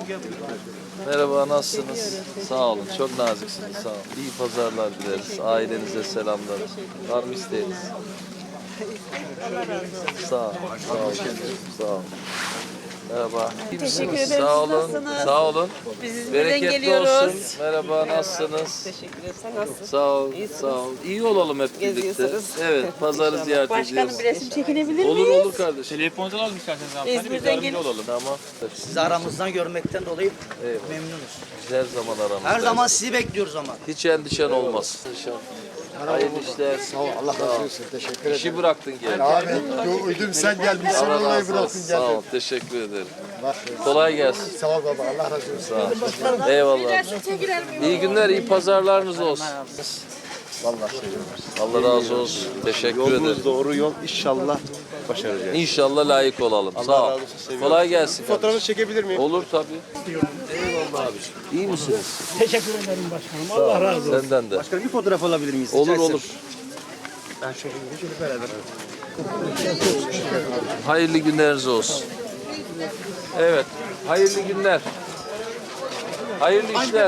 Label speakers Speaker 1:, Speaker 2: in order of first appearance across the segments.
Speaker 1: Merhaba, nasılsınız? Sağ olun, çok naziksiniz, sağ olun. İyi pazarlar dileriz, ailenize selamlar. Var mı isteğiniz? Sağ olun, sağ olun, sağ olun. Merhaba.
Speaker 2: Teşekkür ederiz.
Speaker 1: Sağ olun,
Speaker 2: Nasılsınız?
Speaker 1: sağ olun.
Speaker 2: Biz İzmir'den
Speaker 1: Bereketli
Speaker 2: geliyoruz.
Speaker 1: olsun. Merhaba, nasılsınız?
Speaker 2: Teşekkür ederim. Sen nasılsın?
Speaker 1: Sağ ol,
Speaker 2: İyisiniz.
Speaker 1: sağ ol. İyi olalım hep birlikte.
Speaker 2: Geziyorsunuz.
Speaker 1: Evet, pazarı ziyaret
Speaker 2: Başkanım
Speaker 1: ediyoruz.
Speaker 2: bir resim çekinebilir
Speaker 1: Olur
Speaker 2: miyiz?
Speaker 1: olur kardeşim.
Speaker 3: Telefondan alalım isterseniz hanımefendi. Biz
Speaker 2: İzmir'den
Speaker 3: yardımcı
Speaker 2: gelin.
Speaker 3: olalım.
Speaker 1: Tamam.
Speaker 4: Sizi aramızdan görmekten dolayı
Speaker 1: Eyvallah.
Speaker 4: memnunuz.
Speaker 1: Biz her zaman aramızda.
Speaker 4: Her zaman sizi bekliyoruz ama.
Speaker 1: Hiç endişen olmaz. Hayırlı işler.
Speaker 5: Sağ ol, Allah razı olsun. Teşekkür ederim.
Speaker 1: İşi bıraktın gel.
Speaker 5: Abi, ödüm sen gelmişsin,
Speaker 1: Allah
Speaker 5: vallahi
Speaker 1: razı
Speaker 5: bıraktın
Speaker 1: olsun. Sağ ol.
Speaker 5: geldin.
Speaker 1: Teşekkür ederim.
Speaker 5: Bak,
Speaker 1: Kolay gelsin.
Speaker 5: sağ ol baba, Allah razı olsun.
Speaker 1: Sağ ol. Eyvallah. İyi günler, iyi pazarlarınız olsun.
Speaker 5: Vallahi
Speaker 1: Allah razı olsun. Teşekkür ederim.
Speaker 6: Yolunuz doğru yol, inşallah başaracağız.
Speaker 1: İnşallah layık olalım. Sağ ol.
Speaker 6: razı olsun, seviyorum.
Speaker 1: Kolay gelsin.
Speaker 6: Fotoğrafı çekebilir miyim?
Speaker 1: Olur tabii. Eyvallah abi. İyi misiniz?
Speaker 7: Teşekkür ederim başkanım. Allah razı olsun.
Speaker 1: Senden de.
Speaker 4: Başkanım bir fotoğraf alabilir miyiz?
Speaker 1: Olur
Speaker 4: Rica etsem.
Speaker 1: olur.
Speaker 4: Ben şöyle beraber.
Speaker 1: Hayırlı günleriniz olsun. Evet. Hayırlı günler. Hayırlı işler.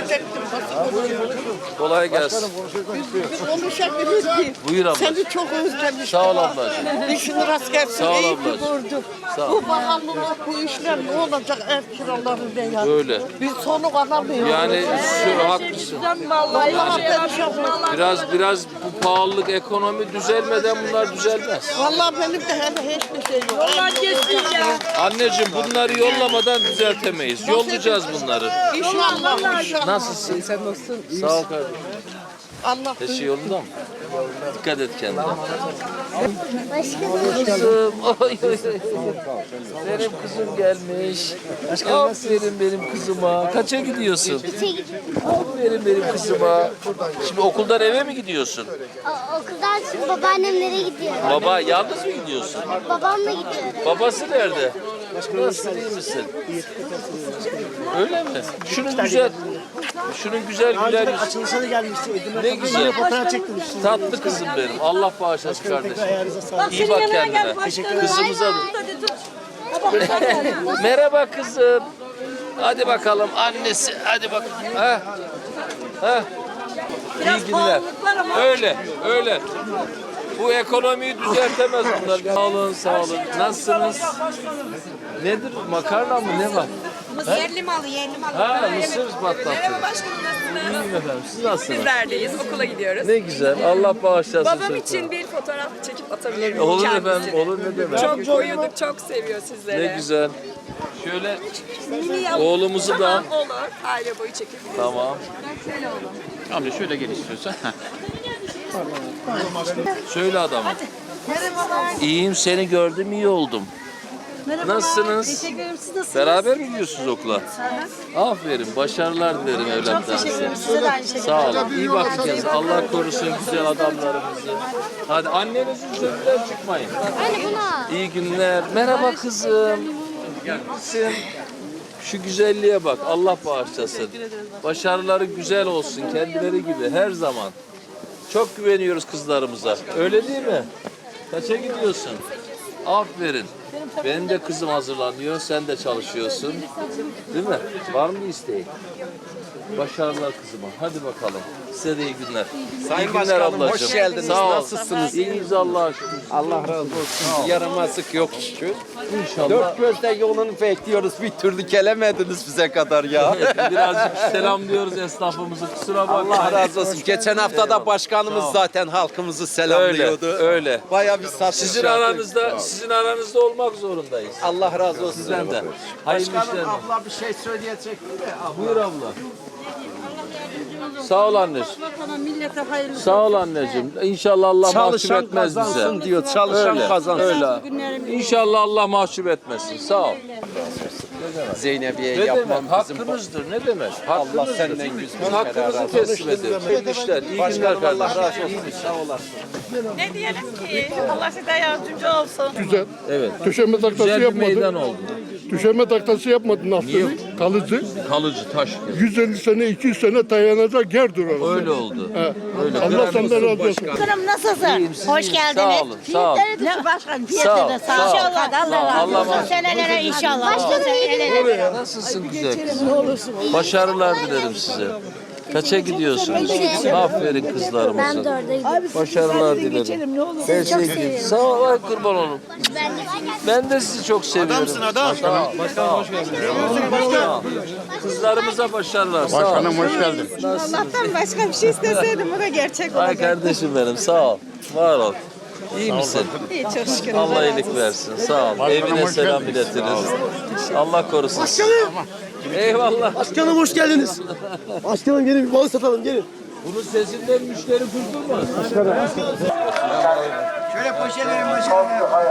Speaker 1: Kolay gelsin.
Speaker 8: Konuşabiliriz ki.
Speaker 1: Buyur abla.
Speaker 8: Seni çok özlemiştim.
Speaker 1: Sağ ol ablacığım.
Speaker 8: İşin rast gelsin.
Speaker 1: Sağ ol
Speaker 8: İyi ki
Speaker 1: ablacığım.
Speaker 8: gördüm.
Speaker 1: Sağ ol.
Speaker 8: Bu pahalılık, bu işler ne olacak ev kiraları ne ya?
Speaker 1: Öyle.
Speaker 8: Biz sonu alamıyoruz.
Speaker 1: Yani şu haklısın.
Speaker 8: Vallahi perişan.
Speaker 1: Biraz bu pahalılık, ekonomi düzelmeden bunlar düzelmez.
Speaker 8: Vallahi benim de hele hiçbir şey yok. Vallahi geçsin ya.
Speaker 1: Anneciğim bunları yollamadan düzeltemeyiz. Yollayacağız bunları.
Speaker 8: İnşallah. İnşallah.
Speaker 1: Nasılsın? Sen nasılsın? Sağ ol kardeşim.
Speaker 8: Allah
Speaker 1: Her şey yolunda mı? Dikkat et kendine.
Speaker 9: Başkanım.
Speaker 1: Kızım. Oy, oy, oy. Benim kızım gelmiş. Aferin benim kızıma. Kaça gidiyorsun? Aferin benim kızıma. Şimdi okuldan eve mi gidiyorsun?
Speaker 9: Okuldan şimdi babaannemlere gidiyorum.
Speaker 1: Baba yalnız mı gidiyorsun?
Speaker 9: Babamla gidiyorum.
Speaker 1: Babası nerede? Nasılsın, iyi misin? Öyle mi? Şunun güzel güler yüzü.
Speaker 7: Açılışa gelmişti.
Speaker 1: Ne güzel.
Speaker 7: Fotoğraf çektirmişsin.
Speaker 1: Tatlı kızım benim. Allah bağışlasın kardeşim.
Speaker 7: Ayağınıza sağlık.
Speaker 1: İyi bak kendine. Kızımıza da. Merhaba kızım. Hadi bakalım annesi. Hadi bak. Ha. Ha. İyi günler. Öyle. Bu ekonomiyi düzeltemez bunlar. Sağ olun, sağ olun. Nasılsınız? Nedir? Makarna mı? Ne var?
Speaker 2: Yerli malı, yerli malı.
Speaker 1: Ha, mısır patlattı.
Speaker 2: Merhaba başkanım, nasılsınız?
Speaker 1: İyiyim efendim. Siz nasılsınız?
Speaker 2: Bizlerdeyiz, okula gidiyoruz.
Speaker 1: Ne güzel. Allah bağışlasın.
Speaker 2: Babam
Speaker 1: çocuklar.
Speaker 2: için bir fotoğraf çekip atabilir miyim
Speaker 1: Olur
Speaker 2: kendisine?
Speaker 1: efendim. Olur ne demek.
Speaker 2: Çok uyuduk, çok seviyor sizleri.
Speaker 1: Ne güzel. Şöyle
Speaker 2: Mini yavrum.
Speaker 1: oğlumuzu da.
Speaker 2: Tamam, olur. Aile boyu çekebiliriz.
Speaker 1: Tamam.
Speaker 3: Amca şöyle gel istiyorsan.
Speaker 1: Söyle adamım. İyiyim, seni gördüm, iyi oldum. Nasılsınız?
Speaker 8: Teşekkür ederim. Siz nasılsınız?
Speaker 1: Beraber mi gidiyorsunuz okula? Aferin, başarılar dilerim evlatlarınıza.
Speaker 8: Size de aynı şekilde.
Speaker 1: Sağ olun, iyi bakın kendinize. Allah korusun güzel adamlarımızı. Hadi annenizin sözünden çıkmayın.
Speaker 9: Anne buna.
Speaker 1: İyi günler. Merhaba kızım. Gülsün. Şu güzelliğe bak. Allah bağışlasın. Başarıları güzel olsun. Kendileri gibi her zaman. Çok güveniyoruz kızlarımıza. Öyle değil mi? Kaça gidiyorsun? Aferin. Benim de kızım hazırlanıyor. Sen de çalışıyorsun. Değil mi? Var mı bir isteğin? Başarılar kızıma. Hadi bakalım. Size de iyi günler.
Speaker 6: Sayın
Speaker 1: iyi günler
Speaker 6: Başkanım,
Speaker 1: ablacığım.
Speaker 6: hoş geldiniz.
Speaker 1: Sağ ol.
Speaker 6: Nasılsınız?
Speaker 1: İyiyiz Allah'a şükür.
Speaker 6: Allah razı olsun. Yaramazlık yok şükür.
Speaker 1: İnşallah.
Speaker 6: Dört gözle yolunu bekliyoruz. Bir türlü gelemediniz bize kadar ya.
Speaker 1: Birazcık selamlıyoruz esnafımızı. Kusura bakmayın.
Speaker 6: Allah razı olsun. Geçen hafta da başkanımız zaten halkımızı selamlıyordu.
Speaker 1: Öyle.
Speaker 6: Bayağı bir satış
Speaker 1: Sizin
Speaker 6: yaptık.
Speaker 1: aranızda olmak zorundayız.
Speaker 6: Allah razı olsun.
Speaker 1: Sizden de. Hayırlı işler.
Speaker 6: Başkanım abla bir şey söyleyecek mi?
Speaker 1: Buyur abla. Sağ ol anneciğim.
Speaker 8: Millete hayırlı.
Speaker 1: Sağ ol anneciğim. İnşallah Allah mahcup
Speaker 6: Çalışan
Speaker 1: etmez bize.
Speaker 6: kazansın diyor. Çalışan
Speaker 1: Öyle,
Speaker 6: kazansın.
Speaker 1: öyle. İnşallah Allah mahcup etmesin. Sağ ol.
Speaker 6: Zeynep'e
Speaker 1: Ne
Speaker 6: yapmam
Speaker 1: demek?
Speaker 6: bizim.
Speaker 1: Hakkınızdır. Ne demek?
Speaker 6: Allah
Speaker 1: Hakkınızdır.
Speaker 6: senden yüz bin
Speaker 1: Biz hakkımızı
Speaker 6: kere
Speaker 1: teslim ediyoruz. Hayırlı işler. İyi günler
Speaker 6: Başkanım Allah
Speaker 1: kardeşim.
Speaker 6: razı olsun. Sağ olasın.
Speaker 8: Ne diyelim ki? Allah size yardımcı olsun.
Speaker 5: Güzel.
Speaker 1: Evet.
Speaker 5: Köşeme taklası
Speaker 1: Güzel bir
Speaker 5: yapmadı.
Speaker 1: meydan oldu.
Speaker 10: Düşeme taklası yapmadın naftayı. Kalıcı.
Speaker 1: Kalıcı taş.
Speaker 10: 150 sene, 200 sene dayanacak yer durar.
Speaker 1: Öyle oldu.
Speaker 10: He.
Speaker 1: Öyle.
Speaker 10: Allah senden razı olsun.
Speaker 8: Başkanım nasılsın?
Speaker 1: İyiyim, siz
Speaker 8: Hoş
Speaker 1: iyisiniz.
Speaker 8: geldiniz.
Speaker 1: Sağ olun. Sağ olun.
Speaker 8: Başkanım
Speaker 1: Sağ ol,
Speaker 8: fiyatı da
Speaker 1: sağ ol.
Speaker 8: İnşallah
Speaker 1: Sağ ol.
Speaker 8: Allah razı
Speaker 1: Allah
Speaker 8: olsun.
Speaker 1: razı olsun.
Speaker 8: Senelere inşallah. Başkanım
Speaker 1: Nasılsın güzel kızım? Başarılar dilerim size. Kaça gidiyorsunuz? Aferin kızlarımıza.
Speaker 9: Ben de oradaydım.
Speaker 1: Başarılar dilerim. Her şey gidiyor. Sağ ol, ay kurban olun. Ben de sizi çok seviyorum. Adamsın adam. Başkanım hoş geldin. Kızlarımıza başarılar. Sağ ol.
Speaker 5: Başkanım hoş geldin.
Speaker 2: Allah'tan başka bir şey isteseydim bu da gerçek
Speaker 1: Ay kardeşim benim sağ ol. Var ol. İyi misin?
Speaker 2: İyi çok şükür.
Speaker 1: Allah iyilik versin. Sağ ol. Evine
Speaker 5: hoş
Speaker 1: selam
Speaker 5: geldin.
Speaker 1: iletiriz. Allah korusun. Eyvallah.
Speaker 4: Başkanım hoş geldiniz. Başkanım gelin bir balık satalım gelin.
Speaker 1: Bunun sesinden müşteri kurtulmaz.
Speaker 4: Şöyle poşetlerin başkanım.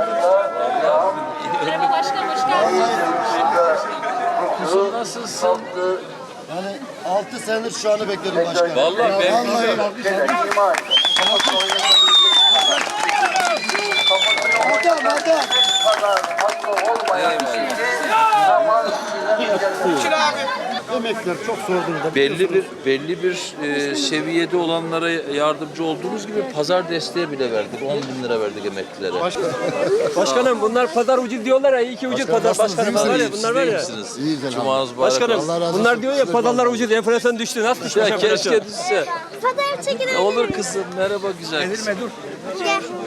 Speaker 1: Kızım nasılsın?
Speaker 5: Yani 6 senedir şu anı bekledim başkanım.
Speaker 1: Vallahi ben
Speaker 5: Emekler çok zor durumda.
Speaker 1: belli bir seviyede olanlara yardımcı olduğumuz gibi pazar desteği bile verdik. 10 bin lira verdik emeklilere.
Speaker 4: Başkanım bunlar pazar ucuz diyorlar ya. İyi ki ucuz pazar başkanım. Var ya bunlar var ya.
Speaker 1: İyisiniz. Cumanız mübarek
Speaker 4: Başkanım
Speaker 1: olsun.
Speaker 5: Allah razı olsun.
Speaker 4: bunlar diyor ya pazarlar ucuz enflasyon düştü. Nasıl düşmüş
Speaker 1: Ya
Speaker 4: enflasyon?
Speaker 1: keşke düşse.
Speaker 9: Fotoğraf çekinebilir
Speaker 1: Olur
Speaker 9: miyim?
Speaker 1: kızım. Merhaba güzel kızım.
Speaker 9: Gel.